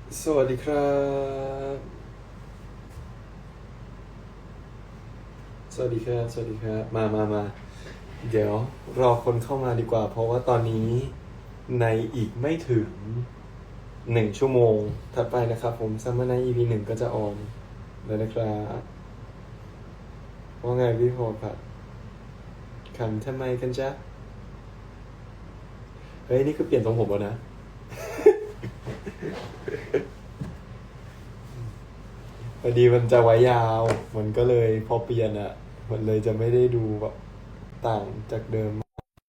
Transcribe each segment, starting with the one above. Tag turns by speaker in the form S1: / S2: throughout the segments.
S1: สวัสดีครับสวัสดีครับสวัสดีครับมาเดี๋ยวรอคนเข้ามาดีกว่าเพราะว่าตอนนี้ในอีกไม่ถึง1 ชั่วโมงถัดไปนะครับผมซัมเมอร์ไนท์ EP 1ก็จะออนแล้วนะครับว่าไงพี่พอผัดขำทำไมกันจ๊ะเฮ้ยนี่คือเปลี่ยนทรงผมแล้วนะพอดีมันจะไว้ยาวมันก็เลยพอเปลี่ยนอ่ะมันเลยจะไม่ได้ดูแบบต่างจากเดิม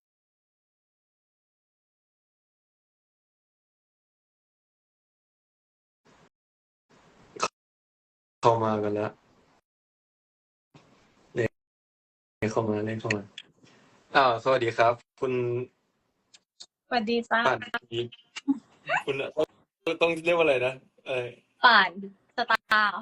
S1: เข้ามากันแล้วเนี่ยเข้ามาสวัสดีครับคุณ
S2: สวัสดีจ้า
S1: ป่านอีกคุณต้องเรียกว่าอะไรนะเออ
S2: ป่านสตาร์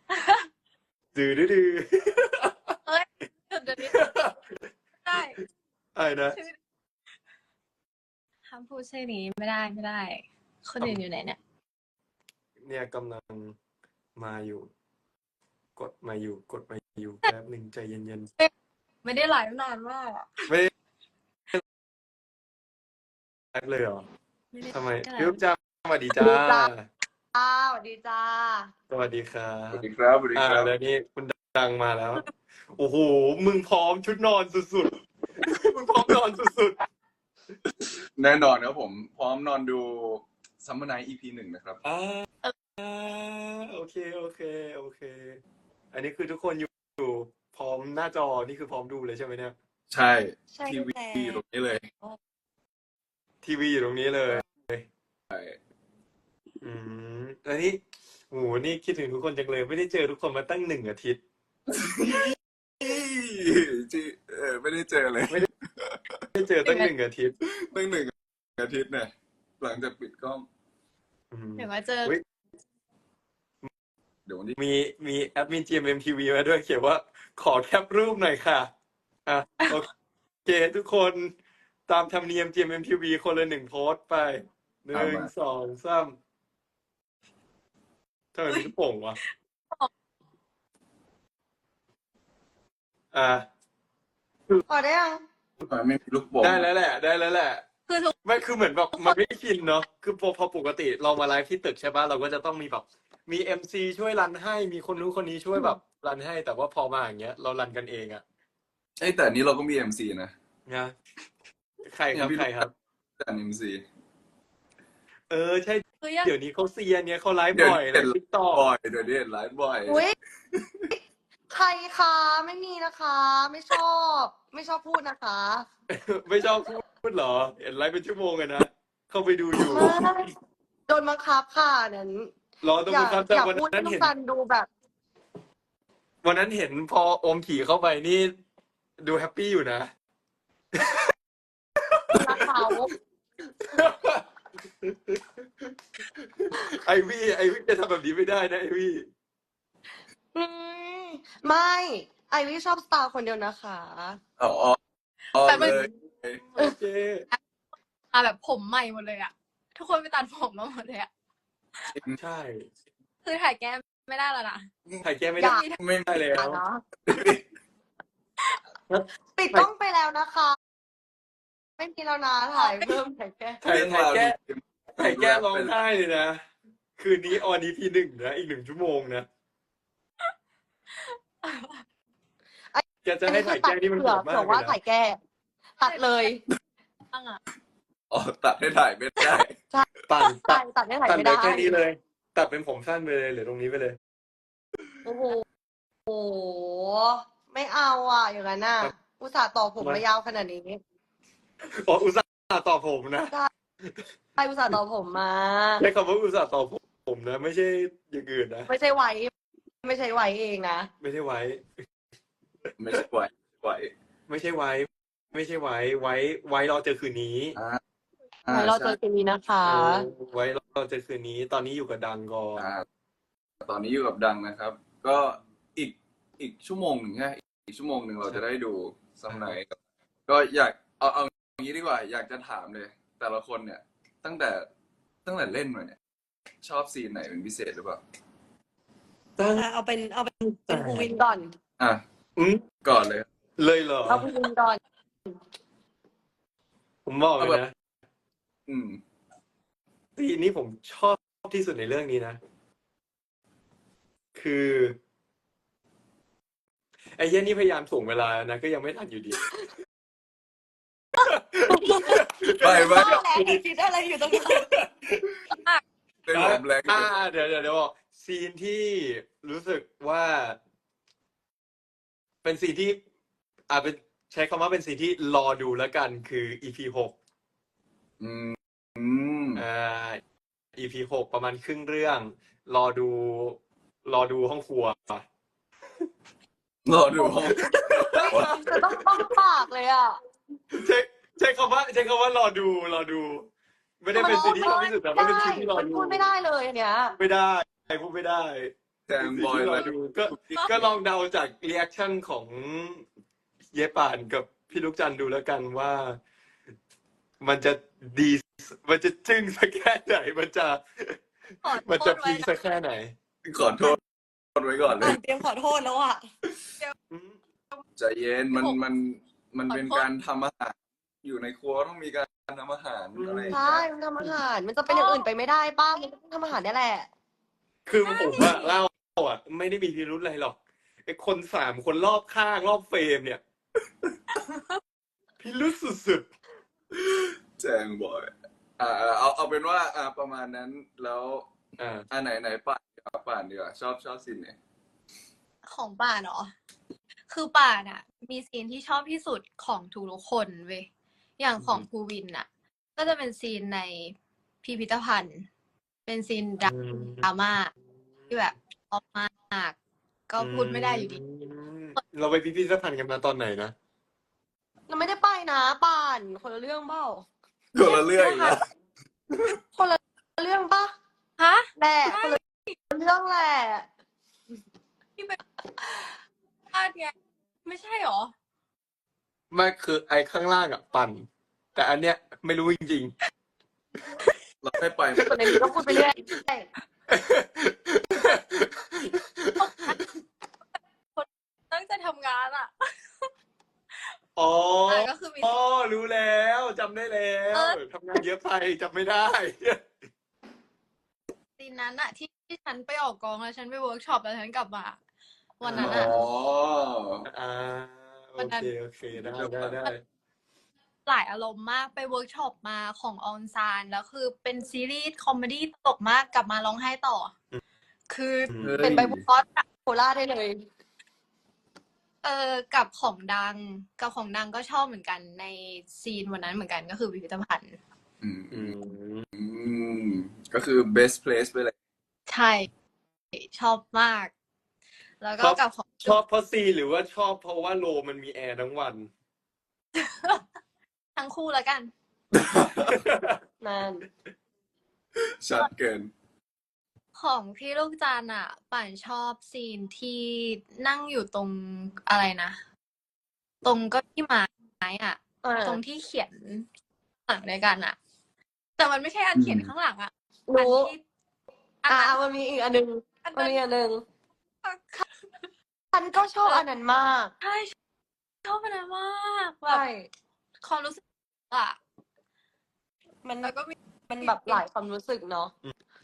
S1: ดื้อ
S2: เอ้ยหยุดเดี๋ยวนี้ได้
S1: อะไรนะ
S2: ชื่อห้ามพูดชื่อนี้ไม่ได้คนอื่นอยู่ไหนเนี่ย
S1: เนี่ยกำลังมาอยู่กดมาอยู่แป๊บหนึ่งใจเย็น
S2: ไม่ได้ไลฟ์นานมากอะ
S1: ๆไม่ได้แอคเลยเหรอ
S2: ไม่ได้
S1: ทำไม
S2: ไลฟ์
S1: พี่อุ๊บจ้าสวัสดีจ้า
S2: ดีจ้าสวัสดีจ้า
S1: สวัสดีครั
S3: สวัส
S1: บ
S3: ดีครับสวัสดีครับ
S1: แล้วนี่คุณดังมาแล้วโอ้โหมึงพร้อมชุดนอนสุดๆมึงพร้อมนอนสุด
S3: แน่นอนครับผมพร้อมนอนดู Summer Night EP 1นะครับ
S1: ๆโอเคโอเคอันนี้คือทุกคนอยู่พร้อมหน้าจอนี่คือพร้อมดูเลยใช่ไหมเนี่ย
S3: ใช่
S2: ใช่
S3: ทีวี
S2: แล้
S3: อยู่ตรงนี้เลย
S1: ทีวีอยู่ตรงนี้เลย
S3: ใช่
S1: อือันนี้โหนี่คิดถึงทุกคนจังเลยไม่ได้เจอทุกคนมาตั้ง1 อาทิตย์
S3: จีไม่ได้เจอเลย
S1: ไม่ได้เจอตั้ง1 อาทิตย์
S3: ตั้ง1 อาทิตย์เนี่ยหลังจากปิดกล้อง
S1: อืม
S2: เดี๋ยวมาเจอ
S1: อุ๊ย
S3: เดี๋ยววันที่
S1: มีแอดมิน GMMTV มาด้วยเขียนว่าขอแคปรูปหน่อยค่ะโอเคทุกคนตามธรรมเนียม GMMTV คนละ1 โพสต์ไปหนึ่ง
S3: ตามมา
S1: สองสามทำไมมีลูกโป่งวะอ่า
S2: พอได้ยัง
S3: ไม่มีลูกโป่ง
S1: ได้แล้วแหละ
S2: คือทุก
S1: ไม่คือเหมือนแบบมันไม่ชินเนาะคือพอปกติเรามาไลฟ์ที่ตึกใช่ปะเราก็จะต้องมีแบบมีMCช่วยรันให้มีคนนู้นคนนี้ช่วยแบบรันให้แต่ว่าพอมาอย่างเงี้ยเรารันกันเองอะ
S3: แต่อันนี้เราก็มี MC นะ
S1: นะใครค
S3: เนี่ยพี่รู้จัก
S1: รับใครครับ
S3: แต่ MC
S1: ใช่
S2: คือยัง
S1: เดี๋ยวนี้เขาเซียนเนี่ยเขาไลฟ์
S3: เดี๋ยว
S1: บ่อยไล
S3: นี้เห็น
S1: ฟ์ติ๊กต็อก
S3: บ่อยเดี๋ยวนี้เห็นไลฟ์บ่อย
S2: อุ้ยใครคะไม่มีนะคะ ไม่ชอบพูดนะคะ
S1: ไม่ชอบพูดเหรอเห็นไลฟ์เป็นชั่วโมงเลยนะเข้าไปดูอยู่
S2: ไม่โดนบังคับค่ะนั้น
S1: รอตรง
S2: อย่า
S1: ครับแต่
S2: อย่า
S1: วัน
S2: พูดให้
S1: นั้นเห็น
S2: ลูกซันดูแบบ
S1: พอโอมขี่เข้าไปนี่ดูแฮปปี้อยู่นะ
S2: รักเขา
S1: ไอวี่จะทำแบบนี้ไม่ได้นะไอวี่
S2: อืมไม่ไอวี่ชอบสตาร์คนเดียวนะคะ
S3: อ๋อ
S2: แต่มัน
S1: โ
S3: เลย
S1: อเค
S2: มาแบบผมใหม่หมดเลยอะทุกคนไปตัดผมมาหมดเลยอะ
S1: ใช่
S2: คือถ่ายแก้มไม่ได้แล้วนะ
S1: ถ่ายแก้ไม่
S2: อ
S1: ได้
S2: ย่า
S3: ไม่
S1: ได้แล้ว
S2: เนาะปิดกล้องไปแล้วนะคะ ไม่มีแล้วนะถ่ายเพิ่มถ่ายแก้ม
S1: ถ่าย
S3: เรื่องาว
S1: ถ่ายแก้
S3: ดี
S1: ถ่ายแก้ร้อง
S3: เป็น
S1: ไห้เลยนะคืนนี้ออนEP 1นะอีก1 ชั่วโมงนะแกจะ
S2: อัน
S1: ให้
S2: นี้คื
S1: ถ่า
S2: อตัด
S1: ยแก้นี่มัน
S2: เผื่
S1: โห
S2: อ
S1: ดมากเลย
S2: ว่า
S1: นะ
S2: ถ่ายแก้ตัดเลย
S3: อ๋อตัดให้ถ่ายไม่ได้
S1: ตัด
S2: ใช่
S1: ตัด
S2: ตัดไม่ถ่าย
S1: ตัด
S2: ไม่ได้
S1: เลยแค่นี้เลยตัดเป็นผมสั้นไปเลยหรือตรงนี้ไปเลย
S2: โอ้โหโอ้โหไม่เอาอ่ะอย่างนั้นน่ะอุตส่าห์ต่อผมมายาวขนาดนี้
S1: อุตส่าห์ต่อผมนะ
S2: ใช่อุตส่าห์ต่อผมมา
S1: ใช้คำว่าอุตส่าห์ต่อผมนะไม่ใช่อย่างอื่นนะ
S2: ไม่ใช่ไว้ไม่ใช่ไว้เองนะ
S1: ไม่ใช่ไว้
S3: ไม่ใช่ไหว
S1: ไม่ใช่ไว้ ไม่ใช่ไว้รอเจอคืนนี้
S2: ไว้เราเจ
S3: ใช่
S2: อกันนี้นะคะ
S1: ไว้รอเจอคืนนี้ ตอนนี้อยู่กับดังก่อน
S3: อ่าตอนนี้อยู่กับดังนะครับ ก็อีกอีกชั่วโมงหนึ่งใช่อีกชั่วโมงหนึ่งเราจะได้ดูซัมไนท์ก็อยากเอาอย่างนี้ดีกว่า อยากจะถามเลย แต่ละคนเนี่ย ตั้งแต่เล่นมาเนี่ยชอบซีนไหนเป็นพิเศษหรือเปล่า
S1: ตั้ง
S2: เอาเป็น
S1: แต่
S2: ภูวินก่อน
S3: อ่ะ
S1: อืม
S3: ก่อนเลย
S1: เลยเหรอ
S2: เอาภูวินก่อน
S1: ผมบอกเลยนะ
S3: อืม
S1: ซีนนี้ผมชอบที่สุดในเรื่องนี้นะ คือ ไอ้เหี้ยนี่พยายามส่งเวลานะ ก็ยังไม่ทันอยู่ดี
S3: ไปไป
S2: บ้าแล้วคิดอะไรอยู่ตรงนี้
S3: ได้หลบแรง
S1: เดี๋ยวบอกซีนที่รู้สึกว่า เป็นซีนที่เป็นใช้คำว่าเป็นซีนที่รอดูแล้วกันคือ EP 6
S3: อืมอืม
S1: EP 6ประมาณครึ่งเรื่อง รอดูห้องครัว
S3: รอดูห้อง
S2: จะต้องปากเลยอ่ะ
S1: ใช้คำว่ารอดู ไม่ได้เป็นซีนที่ชอบที่สุดแต่ไม่เป็นซีนที่รอ
S2: มัน
S1: ดู
S2: พูดไม่ได้เลยอันเนี้ย
S1: ไม่ได้พูดไม่ได้
S3: แจมบอย
S1: ร
S3: เล
S1: อย ดูก็ลองเดาจากรีแอคชั่นของเยป่านกับพี่ลูกจันทร์ดูแล้วกันว่า มันจะดีมันจะจึ้งสักแค่ไหนมันจะพีคสักแค่ไหน
S3: ขอโทษไว้ก่อนเลย
S2: เตรียมขอโทษแล้วอ่ะ
S3: ใจเย็นมันเป็นการทำอาหาร อยู่ในครัวต้องมีการทำอาหารอะไรอย่าง
S2: ใช่
S3: เงี้ย
S2: มันทำอาหาร มันจะเป็นอย่างอื่นไปไม่ได้ป้ามันต้องทำอาหารนี่แหละ
S1: คือผมอะเล่าอะไม่ได้มีพิรุธอะไรหรอกไอ้คน3 คนรอบข้างรอบเฟรมเนี่ย พิรุธสุด
S3: แจงบอย เอาเป็นว่า ประมาณนั้น แล้ว
S1: ๆ
S3: ไหนป่านดีกว่า ชอบซีนไหน
S4: ของป่านเหรอ คือป่านอ่ะ มีซีนที่ชอบที่สุดของทุกคนเว้ย อย่างของภูวินอ่ะ ก็จะเป็นซีนในพิพิธภัณฑ์ เป็นซีนดราม่าที่แบบชอบมาก ก็พูดไม่ได้อยู่ดี
S1: เราไปพิพิธภัณฑ์กันมาตอนไหนนะ
S2: เราไม่ได้ไปนะป่านคนละเรื่องเปล่า
S3: คนละเรื่องอีกแล้ว
S2: คนละเรื่องปะ
S4: ฮะ
S2: แหละคนละเรื่องแหละ
S4: ที่เป็นพลาดไงไม่ใช่หรอ
S1: ไม่คือไอ้ข้างล่างอะปั่น แต่อันเนี้ยไม่รู้จริง
S3: เราไม่ไป
S2: ส่วนในนี้ก็พูดไปเรื่อย
S4: ตั้งใจทำงานอ่ะ
S1: ๆ อ๋อ
S4: ก็คือมี
S1: รู้แล้วจำได้แล้วทำงานเยอะไปจำไม่ได้
S4: ซีนนั้นอะที่ฉันไปออกกองแล้วฉันไปเวิร์กช็อปแล้วฉันกลับมา วันนั้น
S3: อ๋
S4: อะ
S3: อ
S1: โอเคได้
S4: หลายอารมณ์มากไปเวิร์กช็อปมาของออนซานแล้วคือเป็นซีรีส์คอมเมดี้ตลกมากกลับมาร้องไห้ต่อ คือ
S2: เป็นไบโพล่าได้เลย
S4: กับของดังก็ชอบเหมือนกันในซีนวันนั้นเหมือนกันก็คือพิพิธภัณฑ์
S3: ก็คือ best place ไปเลย
S4: ใช่ชอบมาก แล้วก็กับของ
S1: ชอบเพราะซีหรือว่าชอบเพราะว่าโลมันมีแอร์ทั้งวัน
S4: ทั้งคู่แล้วกัน
S2: นั่น
S3: ชัดเกิน
S4: ของพี่ลูกจันทร์อ่ะป่านชอบซีนที่นั่งอยู่ตรงอะไรนะ ตรงเก็ที่ไม้อ่ะ ตรงที่เขียนหลังในกันอ่ะ แต่มันไม่ใช่อันเขียนข้างหลังอ่ะ
S2: รู้
S4: อันที่
S2: มันมีอีกอันหนึ่ง
S4: อัน
S2: มัน
S4: นั้น
S2: มีอันหนึ่งฉันก็ชอบอันนั้นมาก
S4: ใช่ชอบอันนั้นมากแบ
S2: ใช่
S4: บความรู้สึกอ่ะ
S2: มัน
S4: แล้วก็มี
S2: มันแบบหลายความรู้สึกเนาะ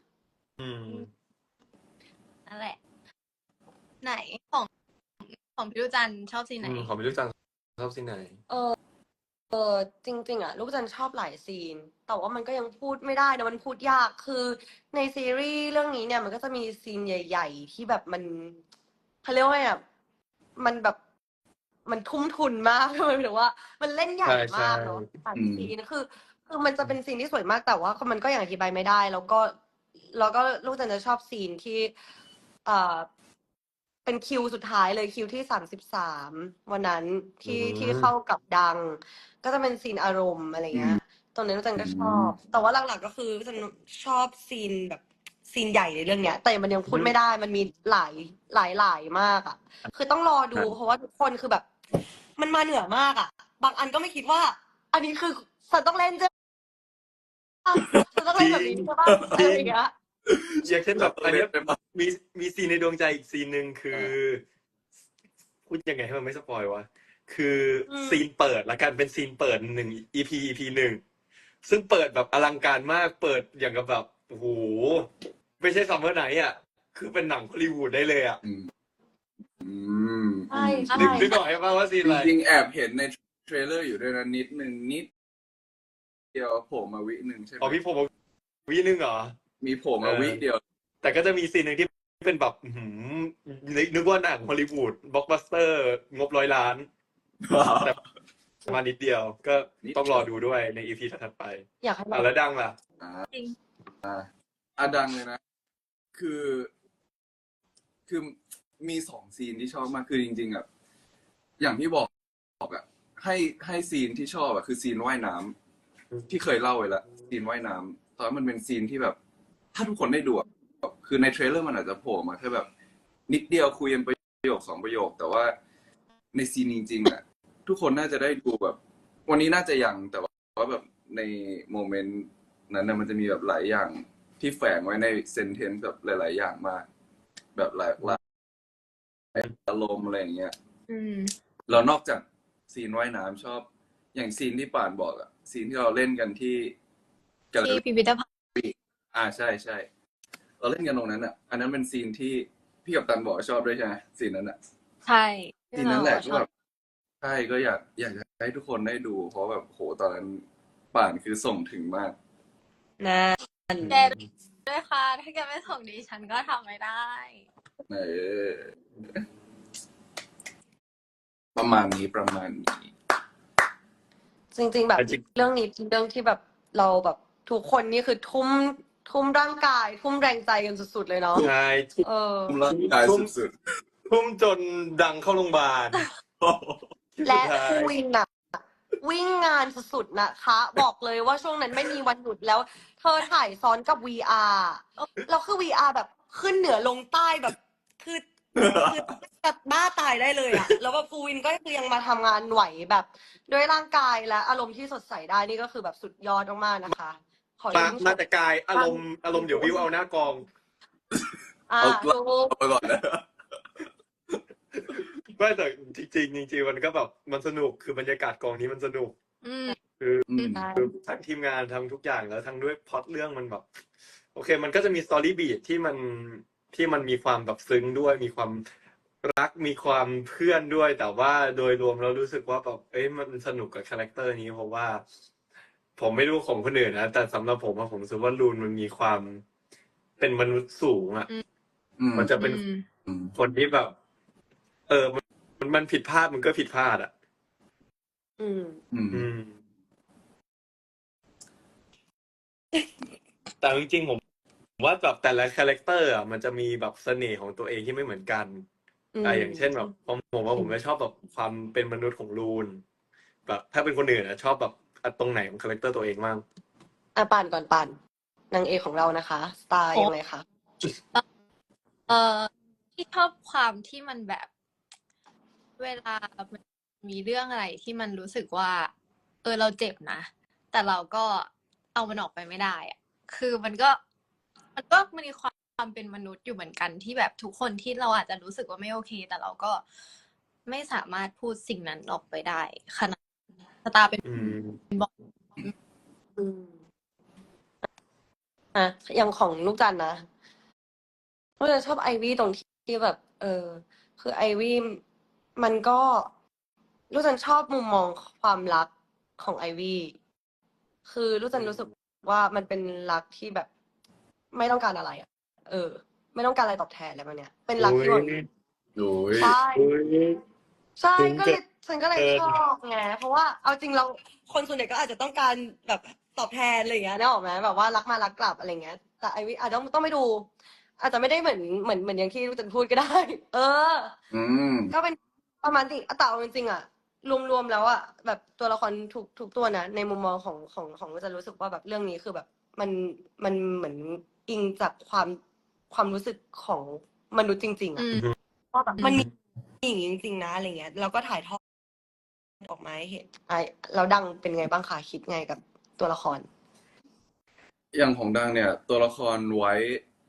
S4: นั่นแหละ ไหนของพี่ลูกจันทร์ชอบซีนไหน
S1: ของพี่ลูกจันทร์ชอบซีนไหน
S2: จริงๆอ่ะลูกจันทร์ชอบหลายซีน แต่ว่ามันก็ยังพูดไม่ได้นะมันพูดยากคือในซีรีส์เรื่องนี้เนี่ยมันก็จะมีซีนใหญ่ ๆ ที่แบบมันเขาเรียกว่าไงอ่ะมันแบบมันทุ่มทุนมาก หมายถึงว่า มันเล่นใหญ่มากเนาะหลายซีนคือมันจะเป็นซีนที่สวยมากแต่ว่ามันก็ยังอธิบายไม่ได้ แล้วก็ลูกจันทร์จะชอบซีนที่เป็นคิวสุดท้ายเลยคิวที่33วันนั้นที่เข้ากับดัง ก็จะเป็นซีนอารมณ์อะไรเงี้ย ตรงนี้ลูกจันก็ชอบ แต่ว่าหลักๆก็คือลูกจันชอบซีนแบบซีนใหญ่ในเรื่องเนี้ย แต่มันยังพูดไม่ได้ มันมีหลายมากอ่ะ คือต้องรอดูเพราะว่าทุกคนคือแบบ มันมาเหนือมากอ่ะ บางอันก็ไม่คิดว่า อันนี้คือฉันต้องเล่นใช่ปะฉันต้องเล่นแบบนี้ใช่ปะอะไรอย่างเงี้ย
S1: อย่างเช่นแบบอันเนี้ย
S3: เป็นแบบ
S1: มีซีนในดวงใจอีกซีนหนึ่งคือพูดยังไงให้มันไม่สปอยวะคือซีนเปิดละกันเป็นซีนเปิดหนึ่ง EP หนึ่งซึ่งเปิดแบบอลังการมากเปิดอย่างกับแบบโอ้โหไม่ใช่ซัมเมอร์ไนท์อ่ะคือเป็นหนังฮอลลีวูดได้เลยอ่ะ
S3: อืม
S2: ใช่ใช่
S1: นึกออกใช่ป่ะว่าซีน
S3: จ
S1: อะไร
S3: ริงๆแอบเห็นในเทรลเลอร์อยู่ด้วยนะนิดเดียวโผล่มาวิหนึ่งใช่ไหม
S1: อ๋อพี่ผมวินึงเหรอ
S3: มีโผล่มาวิเดียว
S1: แต่ก็จะมีซีนหนึ่งที่เป็นแบบอื้อหือนึกว่าหนังฮอลลีวูดบล็อกบัสเตอร์งบ100 ล้าน แต่มานิดเดียวก็ต้องรอดูด้วยใน EP ถัดไป
S2: อยากให้เรา
S1: แล้วดังล่ะ
S4: จริง
S3: ดังเลยนะ คือ มี2 ซีนที่ชอบมากคือจริงๆอ่ะอย่างที่บอกอ่ะให้ซีนที่ชอบอ่ะคือซีนว่ายน้ำที่เคยเล่าไว้ละซีนว่ายน้ำตอนนั้นมันเป็นซีนที่แบบ ถ้าทุกคนได้ดูอ่ะคือในเทรลเลอร์มันอาจจะโผล่มาแค่แบบ นิดเดียวคุยกันประโยค2 ประโยค แต่ว่าในซีนจริงๆอ่ะทุกคนน่าจะได้ดูแบบ วันนี้น่าจะยังแต่ว่าแบบในโมเมนต์นั้นนะมันจะมีแบบหลายอย่างที่แฝงไว้ในเซนเทนซ์แบบหลายๆอย่างมาก แบบหลายอารมณ์อะไรอย่างเงี้ย
S4: อืม
S3: เรานอกจากซีนว่ายน้ำชอบ อย่างซีนที่ป่านบอกอะซีนที่เราเล่นกันที่แกลเลอ
S4: ที่
S3: รี่
S4: พิพิธภัณฑ์
S3: ใช่เราเล่นกันตรงนั้นอะอันนั้นเป็นซีนที่พี่กัปตันบอกว่าชอบด้วยใช่ไหมซีนนั้นอะ
S4: ใช่
S3: ซีนนั้นแหละ
S4: ที่
S3: ก็
S4: เรา
S3: แบบใช่ก็อยากจะให้ทุกคนได้ดู เพราะแบบโหตอนนั้นป่านคือส่งถึงมาก
S2: นะ
S4: แกด้วยค่ะ ถ้าแกไม่ส่งดีฉันก็ทำไม่ได้
S3: เออประมาณนี้
S2: จริง ๆ แบบ
S1: จริง
S2: เรื่องนี้เป็นเรื่องที่แบบเราแบบทุกคนนี่คือทุ่มร่างกาย ทุ่มแรงใจกันสุดๆเลยเนาะ
S1: ใช่
S2: เออ
S3: ทุ่มร่างกายสุด
S1: ทุ่มจนดังเข้าโรงพยาบาล
S3: ๆ
S2: และ
S1: สุดท้าย
S2: ครูวินน่ะ วิ่งงานสุดๆนะคะ บอกเลยว่าช่วงนั้นไม่มีวันหยุดแล้ว เธอถ่ายซ้อนกับ VR แล้วคือ VR แบบขึ้นเหนือลงใต้แบบคือแบบบ้าตายได้เลยอะแล้วแบบครูวินก็คือยังมาทำงานไหวแบบ ด้วยร่างกายและอารมณ์ที่สดใสได้นี่ก็คือแบบสุดยอดมากๆนะคะ ขอ
S1: มา
S2: ชื่นช
S1: มาแต่กายอารมณ์เดี๋ยววิวเอาหน้ากอง
S2: อ่า
S3: เอา
S2: ถูก
S3: ไปก่อนนะ
S1: ไม่แต่จริงๆมันก็แบบมันสนุกคือบรรยากาศกองนี้มันสนุก
S4: อืม
S3: อืม
S1: คือทั้งทีมงานทั้งทุกอย่างแล้วทั้งด้วยพล็อตเรื่องมันแบบ โอเค มันก็จะมีสตอรี่บีทที่มันมีความแบบซึ้งด้วยมีความรักมีความเพื่อนด้วย แต่ว่าโดยรวมเรารู้สึกว่าแบบมันสนุกกับคาแรคเตอร์นี้เพราะว่า ผมไม่รู้ของคนอื่นนะแต่สำหรับผมอะผมรู้สึกว่าลูนมันมีความเป็นมนุษย์สูงอะ
S3: อืม
S1: มันจะเป็น
S3: อืม
S1: คนที่แบบ มันผิดพลาดมันก็ผิดพลาดอ่ะ
S2: อืม
S3: อืม
S1: แต่จริงๆผมว่าแบบแต่ละคาแรคเตอร์อ่ะมันจะมีแบบเสน่ห์ของตัวเองที่ไม่เหมือนกัน อย่างเช่นแบบผมว่าผมไม่ชอบแบบความเป็นมนุษย์ของลูนแบบถ้าเป็นคนอื่นอ่ะชอบแบบตรงไหนของคาแรคเตอร์ตัวเองบ้าง
S2: ปั่นก่อนปั่นนางเอกของเรานะคะ สไตล์ยังไงคะ
S4: ที่ชอบความที่มันแบบ เวลามันมีเรื่องอะไรที่มันรู้สึกว่า เราเจ็บนะ แต่เราก็เอามันออกไปไม่ได้อะคือมันมีความเป็นมนุษย์อยู่เหมือนกันที่แบบทุกคนที่เราอาจจะรู้สึกว่าไม่โอเค แต่เราก็ไม่สามารถพูดสิ่งนั้นออกไปได้ขนาดสตาร์เป็น
S2: อืมอย่างของลูกจันนะลูกจันชอบไอวี่ตรงที่แบบ คือไอวี่มันก็ลูกจันชอบมุมมองความรักของไอวี่คือลูกจันรู้สึกว่ามันเป็นรักที่แบบ ไม่ต้องการอะไรอ่ะ ไม่ต้องการอะไรตอบแทนอะไรแบบเนี้ย เป็นรักที่แบบ
S3: โอ้ย
S2: ใช่ ใช่
S1: ถึง
S2: ก็เลยฉันก็เลยชอบไงเพราะว่าเอาจริงเราคนส่วนใหญ่ก็อาจจะต้องการแบบตอบแทนอะไรอย่างเงี้ยนึกออกไหมแบบว่ารักมารักกลับอะไรเงี้ย แต่ไอวิอาจจะต้องไปดู อาจจะไม่ได้เหมือนอย่างที่ลูกจันพูดก็ได้
S3: อืม
S2: ก็เป็นประมาณนี้แต่เอาจริงๆอ่ะรวมๆแล้วอ่ะแบบตัวละครทุกตัวนะในมุมมองของลูกจันรู้สึกว่าแบบเรื่องนี้คือแบบมันเหมือนอิงจากความรู้สึกของมนุษย์จริงๆอ่ะว่าแบบมันมีอย่างนี้จริงๆนะอะไรเงี้ยแล้วก็ถ่ายทอดออกมาให้เห็นแล้วดังเป็นไงบ้างคะคิดไงกับตัวละคร
S3: อย่างของดังเนี่ย ตัวละครไว้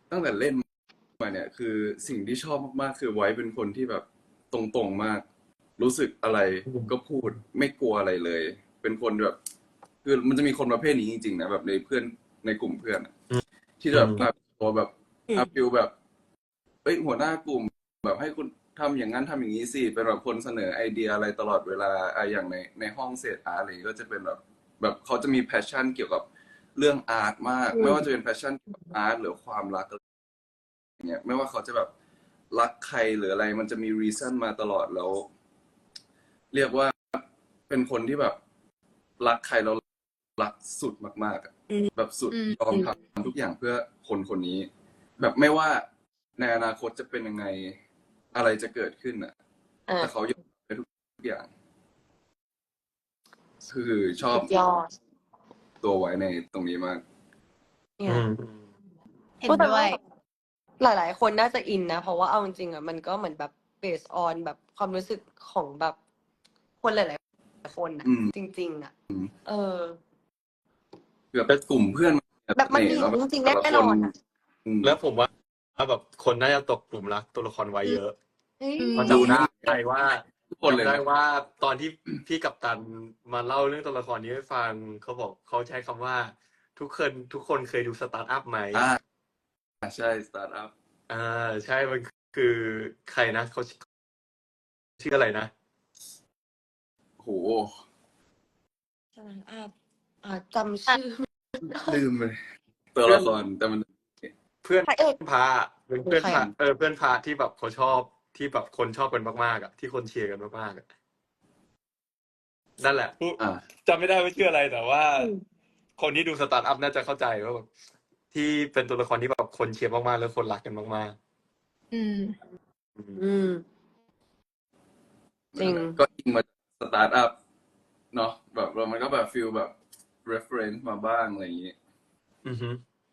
S3: ตั้งแต่เล่นมาเนี่ยคือสิ่งที่ชอบมากๆคือไว้เป็นคนที่แบบตรงๆมาก รู้สึกอะไรก็พูดไม่กลัวอะไรเลย เป็นคนแบบคือมันจะมีคนประเภทนี้จริงๆนะแบบในเพื่อนในกลุ่มเพื่อนอะที่แบบตัวแบบฟิลแบบเอ้ยหัวหน้ากลุ่มแบบให้คุณทำอย่างนั้นทำอย่างนี้สิเป็นแบบคนเสนอไอเดียอะไรตลอดเวลาอย่างในห้องเศษอาร์ตอะไรก็จะเป็นแบบเขาจะมีแพชชั่นเกี่ยวกับเรื่องอาร์ตมาก ไม่ว่าจะเป็นแพชชั่นเกี่ยวกับอาร์ตหรือความรักเงี้ยไม่ว่าเขาจะแบบรักใครหรืออะไรมันจะมีรีซันมาตลอดแล้ว เรียกว่าเป็นคนที่แบบรักใครแล้วรักสุดมากๆอะแบบสุดยอมทำทุกอย่างเพื่อคนคนนี้ แบบไม่ว่าในอนาคตจะเป็นยังไงอะไรจะเกิดขึ้นอ่ะ แต่เขายอมไปทุกอย่าง คือชอบ
S2: สุดยอด
S3: ตัวไว้ในตรงนี้มาก
S2: เนี่ย
S4: เห็น
S2: ก็แต่
S4: ด้ว
S2: ว่าย หลายๆ คนน่าจะอินนะ เพราะว่าเอาจริงๆอ่ะมันก็เหมือนแบบ based on แบบความรู้สึกของแบบคนหลายๆคนอ่ะ
S3: อืม
S2: จริง ๆ อ่ะ เออ
S3: แบบกลุ่มเพื่อน
S2: แบบมันมี
S3: แล้ว
S2: จริงๆ
S3: แต่ละ
S2: แน่
S3: คน
S2: อนอ่ะ
S1: แล้วผมว่าแบบคนน่าจะตกกลุ่มรักตัวละครไว้เยอะ
S2: เฮ้ย
S1: เพราะจำได้ว่า
S3: ทุกคนเลย
S1: จำได้
S3: นะ
S1: ว่าตอนที่พี่กัปตันมาเล่าเรื่องตัวละครนี้ให้ฟังเขาบอกเขาใช้คำว่า ทุกคนเคยดูสตาร์ทอัพไหม
S3: ใช่สตาร์ทอัพ
S1: ใช่มันคือใครนะเขาชื่ออะไรนะ
S3: โห
S2: จำชื่อ
S3: ลืมเลยตัวละครแต่มัน
S1: เพื่อน
S2: พระเอก
S1: พาเป็นเพื่อน
S2: ใคร
S1: พา
S2: อะ
S1: เพื่อนพาที่แบบเขาชอบที่แบบคนชอบกันมากๆอ่ะที่คนเชียร์กันมากๆอ่ะนั่นแหละ
S3: อ่า
S1: จำไม่ได้ว่าชื่ออะไรแต่ว่า คนที่ดูสตาร์ทอัพน่าจะเข้าใจว่าแบบที่เป็นตัวละครที่แบบคนเชียร์มากๆแล้วคนรักกันมาก
S4: อืม
S1: ๆ
S2: อืม จริง
S3: ก็อิงมาสตาร์ทอัพเนาะแบบมันก็แบบฟิลแบบ reference มาบ้างอะไรอย่างงี้
S1: อือฮึ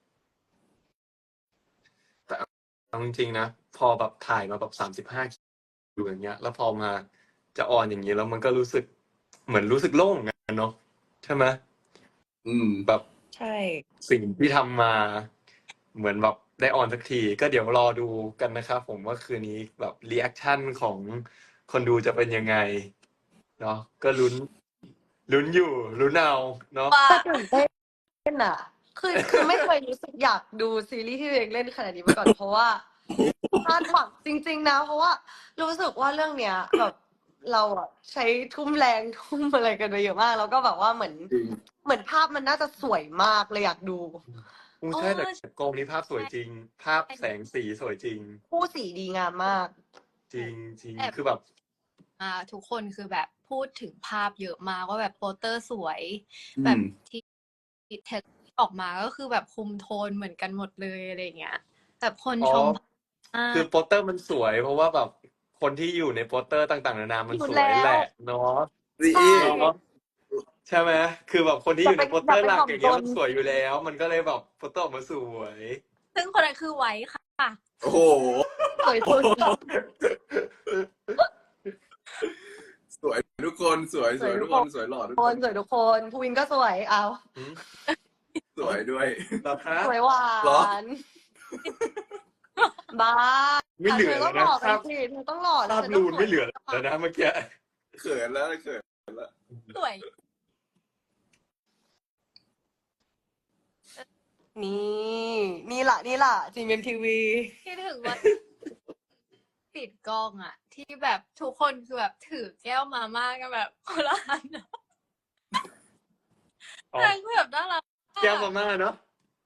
S1: แต่เอาจริงๆนะพอแบบถ่ายมาแบบ35คิวอย่างเงี้ย แล้วพอมาจะออนอย่างนี้แล้วมันก็รู้สึกเหมือนรู้สึกโล่งกันเนาะใช่ไหม แบบ
S2: ใช่
S1: สิ่งที่ทำมาเหมือนแบบได้ออนสักทีก็เดี๋ยวรอดูกันนะครับผมว่าคืนนี้แบบรีแอคชั่นของคนดูจะเป็นยังไงเนาะก็ลุ้นอยู่ลุ้นเอาเนาะ
S4: ว่า
S2: แต่ตื่นเต้นอ่ะ คือไม่เคยรู้สึกอยากดูซีรีส์ที่ตัวเองเล่นขนาดนี้มาก่อน เพราะว่าคาดหวังจริง ๆ นะ เพราะว่ารู้สึกว่าเรื่องเนี้ยแบบเราอ่ะใช้ทุ่มแรงทุ่มอะไรกันไปเยอะมาก แล้วก็แบบว่าเหมือนภาพมันน่าจะสวยมากเลยอยากดู
S1: ใช่แต่กองนี้ภาพสวยจริง ภาพแสงสีสวยจริง
S2: คู่สีดีงามมาก
S1: จริงจริง
S4: แอบ
S1: คือแบบ
S4: ทุกคนคือแบบพูดถึงภาพเยอะมากว่าแบบโปสเตอร์สวย
S3: อืม
S4: แบบที่เทสออกมาก็คือแบบคุมโทนเหมือนกันหมดเลยอะไรเงี้ยแบบคน
S1: อ๋อ
S4: ชมมาก
S1: คือโปสเตอร์มันสวย เพราะว่าแบบคนที่อยู่ในโปสเตอร์ต่างๆนานามัน
S2: อยู่
S1: สวย
S2: แล้ว
S1: แหละเนาะ
S3: ซี
S2: ใช่
S1: เนาะใช่ไหมคือแบบคนที่อยู่ในโปสเตอร์หลัก
S2: อย่าไป
S1: อย่างเงี้ย
S2: ถ่อมตน
S1: มันสวยอยู่แล้ว มันก็เลยแบบโปสเตอร์ออกมาสวย
S4: ซึ่งคนนั้นคือไว้ค่ะ
S3: โอ้โห
S2: สวยสุด
S3: สวยทุกคนสวยทุกคนสวยหล่อทุก
S2: ค
S3: คน น
S2: สวยทุกคนภูวินก็สวยเอา
S3: สวยด้วย
S1: เหรอคะ
S2: สวยหวา
S3: เหรอ
S2: นบ้า
S1: ไม่เหลือ
S2: เธอ
S1: แล้
S2: ต้
S1: ว
S2: องห
S1: นะ
S2: ล่อกั
S1: ภาน พ
S2: สิเธอต้องหล่อ
S1: ภาพ
S2: เธอ
S1: นู
S2: ต้อง
S1: น
S2: สวย
S1: ไม่เหลือแล้วนะเมื่อกี้
S3: เขินแล้วเขินแล้ว
S4: สวย
S2: นี่ล่ะจีเอ็มทีวี
S4: คิดถึงว่าปิดกล้องอะที่แบบทุกคนคือแบบถือแก้วมาม่ากันแบบคนละอันอะ
S1: อ๋อ
S4: นางคือแบบน่ารักมาก
S1: แก้วมาม่าเนาะ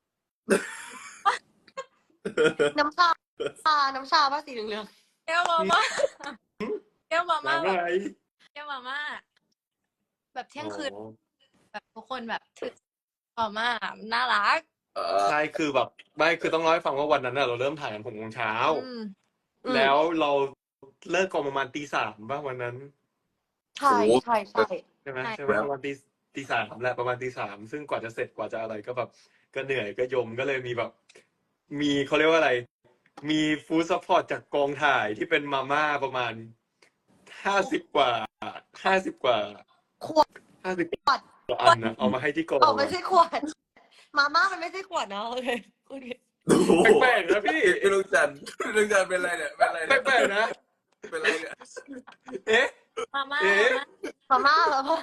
S2: น้ำชาป่ะสีเหลือง
S4: แก้วมาม่าแก้วมาม่า
S1: น้ำ
S4: แบ
S1: อะ
S4: บ
S1: ไร
S4: แก้วมาม่าแบบเที่ยงคืน
S1: อ๋อ
S4: แบบทุกคนแบบถือมาม่าน่ารัก
S1: ใช่คือแบบไม่คือต้องเล่าให้ฟังว่าวันนั้นน่ะเราเริ่มถ่ายกัน6 โมงเช้า
S2: ๆ
S1: แล้วเราเลิกกองประมาณตี 3ป่ะวันนั้น
S2: ใช่
S3: โอ้
S2: ใช่
S1: ใช่ไหม
S4: ใช่
S1: ใช่ไหมประมาณตี 3แหละประมาณตี 3ซึ่งกว่าจะเสร็จกว่าจะอะไรก็แบบก็เหนื่อยก็ยมก็เลยมีแบบมีเขาเรียกว่าอะไร มีฟู้ดซัพพอร์ตจากกองถ่ายที่เป็นมาม่าประมาณ50 กว่า
S2: ขวด
S1: 50 กว่าอันนะเอามาให้ที่กอง
S2: ไม่ใช่ขวด มาม่ามันไม่ใช่ขวดเนาะโอเค
S3: โอ้โห
S1: แปลกๆนะพี่
S3: พี่ลูกจันทร์เป็นไรเนี่ยเป็นไรเนี่ย
S1: แปลกๆนะ
S3: เป็นไรเนี่ย
S1: เอ๊ะ
S4: มาม่า
S1: เอ๊ะ
S2: มาม่ามาม่า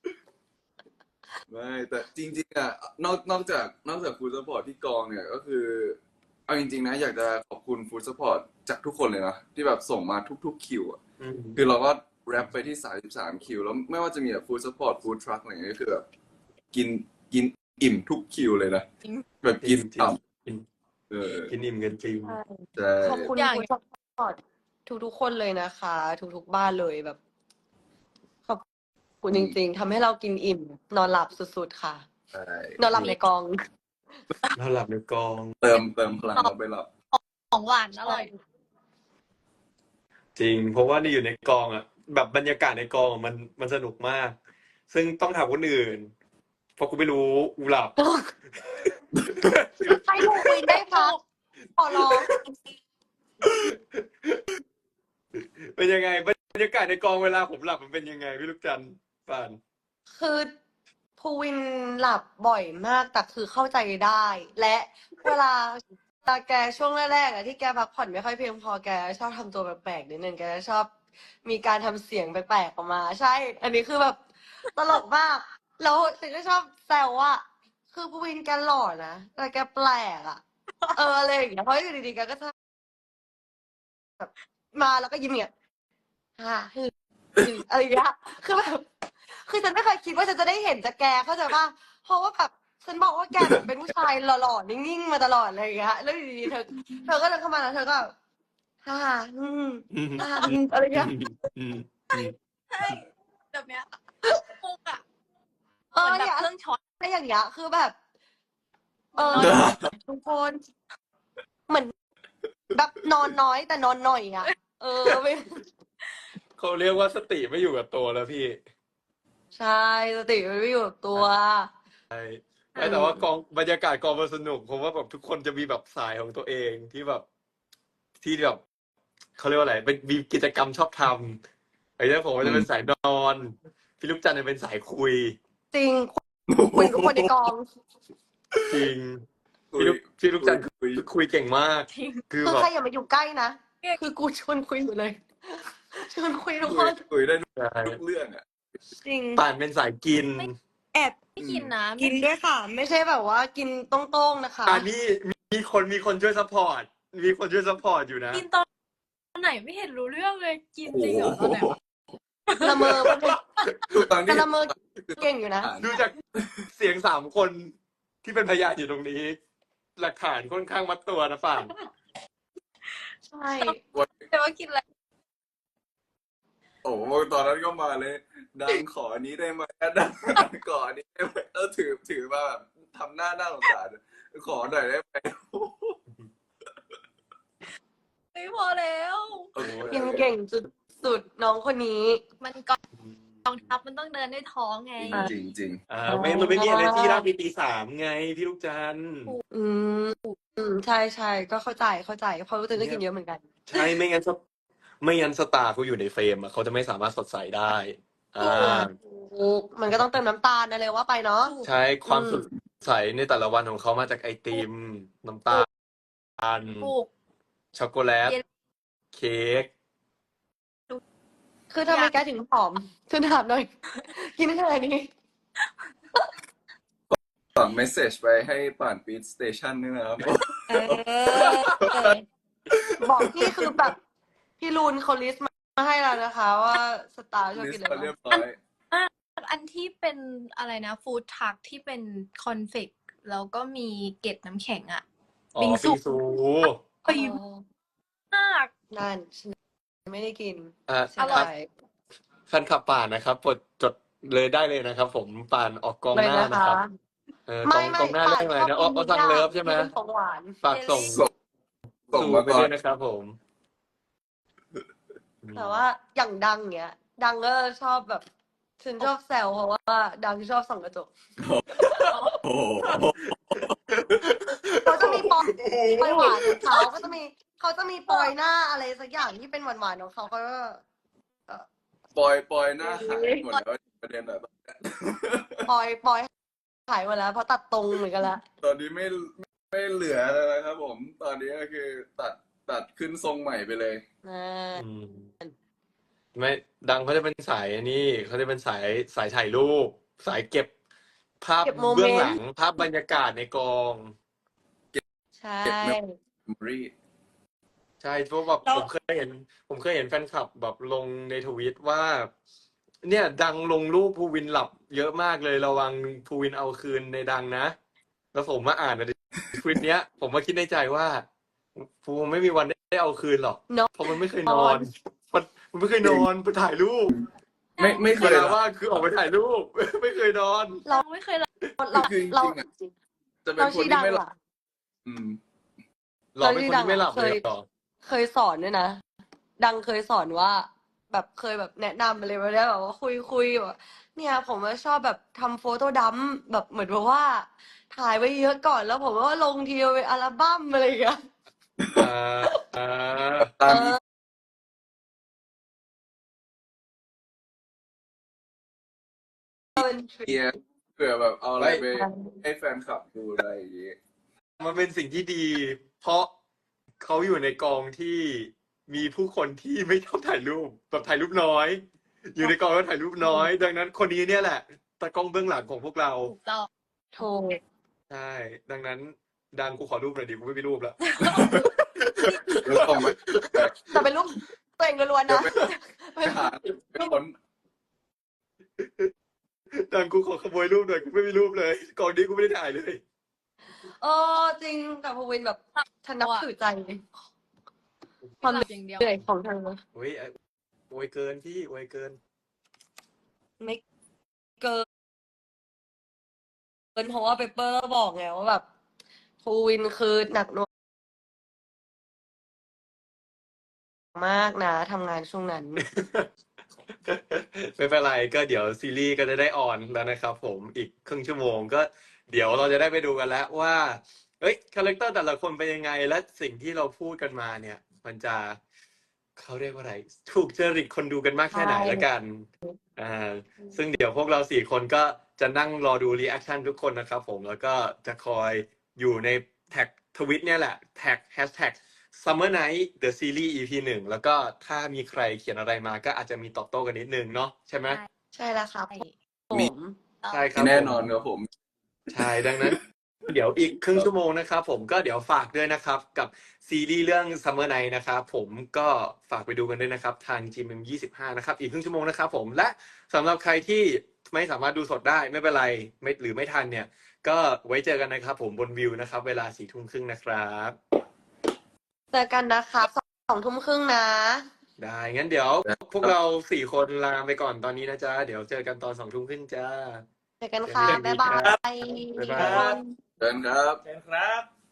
S3: ไม่แต่จริงๆอ่ะนอกจากฟู้ดซัพพอร์ตที่กองเนี่ยก็คือเอาจริงๆนะอยากจะขอบคุณฟู้ดซัพพอร์ตจากทุกคนเลยนะที่แบบส่งมาทุกๆคิวอ่ะ
S1: อืม
S3: คือเราก็แรปไปที่33คิวแล้วไม่ว่าจะมีแบบฟู้ดซัพพอร์ตฟู้ดทรัคอะไรอย่างเงี้ยก็คือแบบกินอิ่มทุกคิวเลยนะแบบกิน
S1: จริง
S3: ต่
S1: กิน
S3: ำเออ
S1: กินอิ่มกันจริง
S3: ใช่
S2: ขอบคุณคุณซัพพอร์ตทุกๆคนเลยนะคะ ทุกๆบ้านเลยแบบ ขอบคุณจริงๆทำให้เรากินอิ่ม นอนหลับสุดๆค่ะ
S3: ใช่
S2: นอนหลับในกอง
S1: เราหลับในกอง
S3: เติมพลังเราไปหลับ
S4: ของหวานอร่อย
S1: จริง เพราะว่านี่อยู่ในกองอ่ะ แบบบรรยากาศในกองมันสนุกมาก ซึ่งต้องถามคนอื่น เพราะกูไม่รู้กูหลับ
S2: ให้ลูกวินได้พักขอร้อง
S1: เป็นยังไงบรรยากาศในกองเวลาผมหลับมันเป็นยังไงพี่ลูกจันทร์ป่าน
S2: คือภูวินหลับบ่อยมากแต่คือเข้าใจได้ และเวลาแกช่วงแรกๆอะที่แกพักผ่อนไม่ค่อยเพียงพอแกชอบทำตัวแปลกๆนิดนึงแกชอบมีการทำเสียงแปลกๆออกมา ใช่ อันนี้คือแบบตลกมาก แล้วฉันก็ชอบแซวว่าคือภูวินแกหล่อนะแต่แกแปลกอะอะไรอย่างเงี้ยเพราะอยู่ดีๆแกก็จะแบบมาแล้วก็ยิ้มอย่างเงี้ยฮ่าฮึอะไรอย่างเงี้ยคือแบบ คือฉันไม่เคยคิดว่าฉันจะได้เห็นจากแกเข้าใจป่ะเพราะว่าแบบฉันบอกว่าแกแบบเป็นผู้ชายหล่อๆนิ่งๆมาตลอดเลยอย่างเงี้ยแล้วอยู่ดีๆเธอก็เดินเข้ามาแล้วเธอก็ฮ่าฮ่าอะไรอย่างเงี้ย
S4: ใช่แบบเนี้ยมุกอ่ะ
S2: เอ
S4: เหมื
S2: อ
S4: อนแบ
S2: เนี่
S4: บ
S2: ย
S4: เครื่องช็อต
S2: อะไรอย่างเงี้ยคือแบบ เออ
S4: นอน
S2: ทุกคนเหมือนแบบนอนน้อยแต่นอนหน่อยอ่ะไม่
S1: เขาเรียกว่าสติไม่อยู่กับตัวแล้วพี่
S2: ใช่สติไม่อยู่กับตัว
S1: แต่ว่ากองบรรยากาศกองมันสนุกเพราะว่าแบบทุกคนจะมีแบบสายของตัวเองที่แบบเขาเรียกว่าอะไรเป็นมีกิจกรรมชอบทำไอ้เนี่ยผมก็จะเป็นสายนอนพี่ลูกจันทร์จะเป็นสายคุย
S2: จริงคุยกับคนในกอง
S1: จริงพี่ลูกจันทร์คุยเก่งมาก
S4: จริง
S1: คือ
S2: คือ
S1: แบบ
S2: ใครอย่ามาอยู่ใกล้นะคือกูชวนคุยอยู่เลย ชวนคุยทุกคน
S3: คุยได้
S1: ใช่
S3: ทุกเรื่องอ่ะ
S2: จริง
S1: ป่านเป็นสายกิน
S2: แอบ
S4: ไม่กินนะ
S2: กินด้วยค่ะ ไม่ใช่แบบว่ากินตรงๆนะคะ
S1: อันนี้มีคนช่วยซัพพอร์ตอยู่นะ
S4: กินตอนไหนไม่เห็นรู้เรื่องเลย กินจริงเหรอตอนไหนวะ
S2: ละเมอมัน
S3: ตอน
S2: แต่
S3: นี้
S2: ละเมอเก่งอยู่นะ
S1: ดูจากเสียง3 คนที่เป็นพยานอยู่ตรงนี้ หลักฐานค่อนข้างมัดตัวนะป่าน
S2: ใช่
S4: แต่ว่ากินอะไร
S3: โอ้โหตอนนั้นก็มาเลย ดังขออันนี้ได้ไหมดังขออันนี้ได้ไหมถือมาแบบทำหน้าสงสารขอหน่อยได้ไหม
S4: ไม่พอแล้ว
S3: โอ้โห
S2: กินเก่งสุดๆน้องคนนี้
S4: มันกองทัพมันต้องเดินด้วยท้องไง
S3: จริง
S1: มันไม่มี energy ร่างปี 3ไงพี่ลูกจันทร์
S2: อืมใช่ใช่ก็เข้าใจเพราะรู้สึกก็กินเยอะเหมือนกัน
S1: ใช่ไม่งั้นสตาร์เขาอยู่ในเฟรมอะเขาจะไม่สามารถสดใสได้
S2: มันก็ต้องเติมน้ำตาลนะเลยว่าไปเนาะ
S1: ใช่ความสดใสในแต่ละวันของเขามาจากไอติม น้ำตาล
S4: ถูก
S1: ช็อกโกแลต
S4: เย็น
S1: เค้ก
S2: คือทำไมแกถึงผอมฉันถามหน่อย กินขนาดนี้
S3: ๆฝากเมสเซจไปให้ป่านปีทสเตชันด้วยนะครับ
S2: บอกพี่คือแบบ พี่ลูนเขาลิสต์มาให้แล้วนะคะ ว่าสตาร์ชอบ
S3: ลิ
S2: กิ
S3: ส
S2: น
S3: ต์
S2: อะไร
S3: มาเรียบ
S2: บ้าง
S3: ร้อย
S4: อันที่เป็นอะไรนะฟู้ดทรัคที่เป็นคอนเฟกแล้วก็มีเกล็ดน้ำแข็งอะ
S1: อ๋อ
S4: บิงซู
S1: บิงซู
S4: ไปมาก
S2: นั่นฉันไม่ได้กิน
S1: ค
S2: อ
S1: รั
S2: ร่
S1: บ
S2: อย
S1: แฟนคลับป่านนะครับกดจดเลยได้เลยนะครับ ผมป่านออกกอง
S2: เลย
S1: หน้า
S2: นะ
S1: นะครับ
S2: คะ
S1: กองหน้าได้ไหมนะอ๋อสั่งเลิฟใช่ไหม
S2: ที่เป็นของหวาน
S1: ฝากส่ง
S3: ส่งมา
S1: ไป
S3: ก่อ
S1: ด้วน ยนะครับผม
S2: แต่ว่าอย่างดังเนี้ย ดังก็ชอบแบบฉันชอบแซวเพราะว่าดังชอบส่องกระจก
S3: โอ้โห
S2: เขาจะมีปอยหวานของเขาก็จะมีเขาจะมีปอยหน้าอะไรสักอย่างที่เป็นหวานๆของเขาก็
S3: ปอยหน้าหายหมดแล้วประเด็นแบบ
S2: ปอยหายหมดแล้วเพราะตัดตรงเหมือนกันละ
S3: ตอนนี้ไม่ไม่เหลือแล้วนะครับผม ตอนนี้ก็คือตัดขึ้นทรงใหม่ไปเลย
S2: อ่า
S1: อืมไม่ดังเขาจะเป็นสายอันนี้เขาจะเป็นสายถ่ายรูป สายเก็บภาพ
S2: เก็บโมเม
S1: เบื้อง
S2: น
S1: หลัง
S2: ต์
S1: ภาพบรรยากาศในกอง
S2: ใช่
S3: เก็บเมมโมรี่
S1: ใช่เพราะแบบ
S2: แล้ว
S1: ผมเคยเห็นแฟนคลับแบบลงในทวิตว่า เนี่ยดังลงรูปภูวินหลับเยอะมากเลยระวังภูวินเอาคืนในดังนะ แล้วผมมาอ่านในทวิตเนี้ย ผมมาคิดในใจว่าภูไม่มีวันได้เอาคืนหรอก
S2: เนาะ
S1: เพราะมันไม่เคยนอน มันไม่เคยนอนไปถ่ายรูป
S3: ไม่เค
S1: เวย ลา
S3: ละ
S1: ว่างคือออกไปถ่ายรูป ไม่เคยนอน
S2: เรา
S4: ไม่เคยรับ
S2: เรา
S3: คือจ
S2: เรา
S3: ริงๆอะจะเป็น
S2: เรา
S3: คน
S2: ชื่อ
S3: ที่
S2: ดัง
S3: ไม่หลับ
S2: อ่ะ
S3: อืม
S1: หรอเป็นคนที่ไม่หลับ
S2: เค
S1: เลย ยเหรอ
S2: เคยสอนด้วยนะ ดังเคยสอนว่า แบบเคยแบบแนะนำอะไรไปแล้วแบบว่าคุยแบบเนี่ยผมว่าชอบแบบทำโฟโต้ดัมป์แบบเหมือนแบบว่า ถ่ายไว้เยอะก่อนแล้วผมว่าลงทีเดียวเป็นอัลบั้มอะไรอย่างเงี้ย
S1: อ่า
S3: ตาม
S2: เอ
S3: อี
S2: อ เป็นทริ
S3: เกีย
S2: ค
S3: เผื่อแบบเอาอะไร
S1: ไว้
S3: ไปให้แฟนคลับดูอะไรอย่างงี้
S1: มันเป็นสิ่งที่ดี เพราะเขาอยู่ในกองที่มีผู้คนที่ไม่ชอบถ่ายรูปแบบถ่ายรูปน้อย อยู่ในกองแล้วถ่ายรูปน้อย ดังนั้นคนนี้เนี่ยแหละตากล้องเบื้องหลังของพวกเรา
S4: ถูกต้อง
S2: ถูก
S1: ใช่ ดังนั้นดังกูขอรูปหน่อยดิกูไม่มีรูปแล้ว
S3: แล้วส่งไป
S2: แต่เป็นรูปตัวเองล้วนๆ
S3: เดี๋ยว
S2: นะ
S3: ไปหาไปค้น
S1: ดังกูขอขโมยรูปหน่อยกูไม่มีรูปเลยกองนี้กูไม่ได้ถ่ายเลย
S2: เออจริงแต่ภูวินแบบฉันนับถือใจความ
S4: หลับอย่างเดียว
S2: เหนื่อยของเธอ
S1: โอ้ยโวยเกินพี่โวยเกิน
S2: ไม่เกินเพราะว่าเปเปอร์บอกไงว่าแบบภูวินคือหนักหน่วงมากนะทำงานช่วงนั้น
S1: ไม่เป็นไรก็เดี๋ยวซีรีส์ก็จะได้ออนแล้วนะครับผมอีกครึ่งชั่วโมงก็เดี๋ยวเราจะได้ไปดูกันแล้วว่าเอ้ยคาแรคเตอร์แต่ละคนเป็นยังไงและสิ่งที่เราพูดกันมาเนี่ย มันจะเขาเรียกว่าอะไร ถูกจริตคนดูกันมากแค่ไหน
S2: ใช่
S1: ละกันซึ่งเดี๋ยวพวกเรา4 คนก็จะนั่งรอดูรีแอคชั่นทุกคนนะครับผมแล้วก็จะคอยอยู่ในแท็กทวิตเนี่ยแหละแท็กแฮชแท็ก Summer Night The Series EP 1แล้วก็ถ้ามีใครเขียนอะไรมาก็อาจจะมีตอบโต้กันนิดนึงเนาะใช่ไหม
S2: ใช่แล้วครับ
S4: ใช่
S2: ผม
S1: ใช่ครับ
S3: แน่
S1: ผม
S3: นอนครับผม
S1: ใช่ดังนั้น เดี๋ยวอีกครึ่งชั่วโมงนะครับผมก็เดี๋ยวฝากด้วยนะครับ กับซีรีส์เรื่อง Summer Night นะครับผมก็ฝากไปดูกันด้วยนะครับทาง GMM25 นะครับอีกครึ่งชั่วโมงนะครับผมและสำหรับใครที่ไม่สามารถดูสดได้ไม่เป็นไรหรือไม่ทันเนี่ย ก็ไว้เจอกันนะครับผมบนวิวนะครับ เวลา22:30นะครับ
S2: เจอกันนะครับ20:30นะ
S1: ได้งั้นเดี๋ยวพวกเรา4 คนลาไปก่อนตอนนี้นะจ๊ะเดี๋ยวเจอกันตอน22:30จ้า
S2: เจอกันค่ะ
S1: เจอกัน
S2: บ๊ายบา
S1: ครับ
S2: ย
S1: บ๊ายบาย
S2: ทุกคน
S3: เดินครับ
S5: เชิญครับ